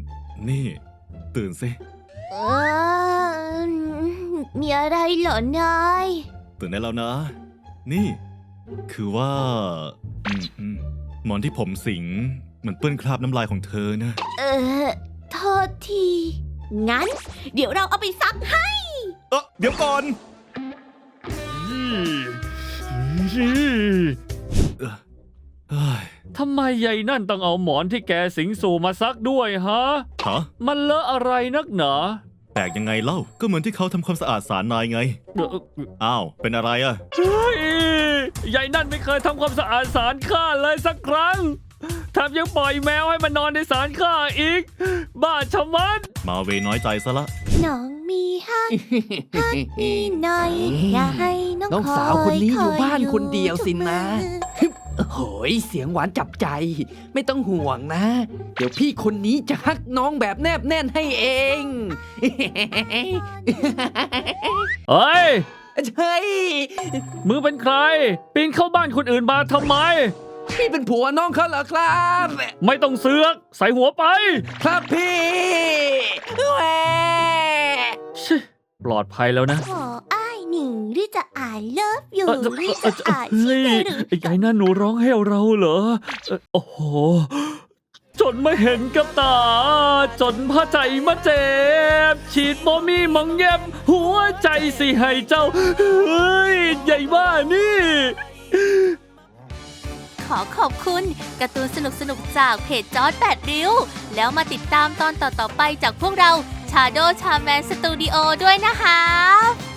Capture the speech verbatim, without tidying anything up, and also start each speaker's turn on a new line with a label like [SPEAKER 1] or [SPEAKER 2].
[SPEAKER 1] นี่ตื่นสิ
[SPEAKER 2] เออมีอะไรเหรอนาย
[SPEAKER 1] ตื่นได้แล้วนะ นี่คือว่าอืมอืมหมอนที่ผมสิงมันเปื้อนคราบน้ำลายของเธอนะ
[SPEAKER 2] เออโทษที งั้น เดี๋ยวเราเอาไปซักให้
[SPEAKER 1] เออเดี๋ยวก่อนเอ้อเฮ้ย
[SPEAKER 3] ทำไมยายนั่นต้องเอาหมอนที่แกสิงสู่มาซักด้วยฮะ
[SPEAKER 1] ฮะ
[SPEAKER 3] มันเลอะอะไรนักหนา
[SPEAKER 1] แปลกยังไงเล่าก็เหมือนที่เขาทำความสะอาดศาลนายไง
[SPEAKER 3] เอ่อ
[SPEAKER 1] อ้าวเป็นอะไรอะ
[SPEAKER 3] เฮ้ยยายนั่นไม่เคยทำความสะอาดศาลข้าเลยสักครั้งแถมยังปล่อยแมวให้มันนอนในศาลข้าอีก บ้าชะมัด
[SPEAKER 1] มาเวน้อยใจซะละ
[SPEAKER 2] น้องมีฮัก ฮักมีหน่อย อย่าให้น้อง
[SPEAKER 4] น้อง
[SPEAKER 2] คอย
[SPEAKER 4] สาวคนนี้อยู่บ้าน
[SPEAKER 2] ค
[SPEAKER 4] คนเดียวสินะ
[SPEAKER 2] ทุกมือ
[SPEAKER 4] โอ้ยเสียงหวานจับใจ ไม่ต้องห่วงนะ เดี๋ยวพี่คนนี้จะฮักน้องแบบแนบแน่นให้เอง
[SPEAKER 3] เฮ้ย
[SPEAKER 4] เฮ้ย
[SPEAKER 3] มือเป็นใคร ปีนเข้าบ้านคนอื่นมาทำไม
[SPEAKER 4] พี่เป็นผัวน้องเขาเหรอครับ
[SPEAKER 3] ไม่ต้องเสือก ใส่หัวไป
[SPEAKER 4] ครับพี่แหว
[SPEAKER 3] ชิปลอดภัยแล้วนะ
[SPEAKER 2] ขออ้ายหนิงหรือจะอ่านเลิฟอยู่
[SPEAKER 3] เอ่อ
[SPEAKER 2] หรือ
[SPEAKER 3] เอ่อ
[SPEAKER 2] จะอ่าน
[SPEAKER 3] เฮ้
[SPEAKER 2] ชิ
[SPEAKER 3] ย
[SPEAKER 2] เมหรือ
[SPEAKER 3] ไอ้ยายนั่นหนูร้องให้เราเหรอเอ่อโอ้โห จนไม่เห็นกับตา จนพระใจมาเจ็บ ฉีดโมมีมองเย็บ หัวใจสิให้เจ้า เฮ้ยใหญ่บ้านี่
[SPEAKER 2] ขอขอบคุณการ์ตูนสนุกๆจากเพจจอร์จแปดริ้ว แล้วมาติดตามตอนต่อๆไปจากพวกเรา Shadow Charman Studio ด้วยนะคะ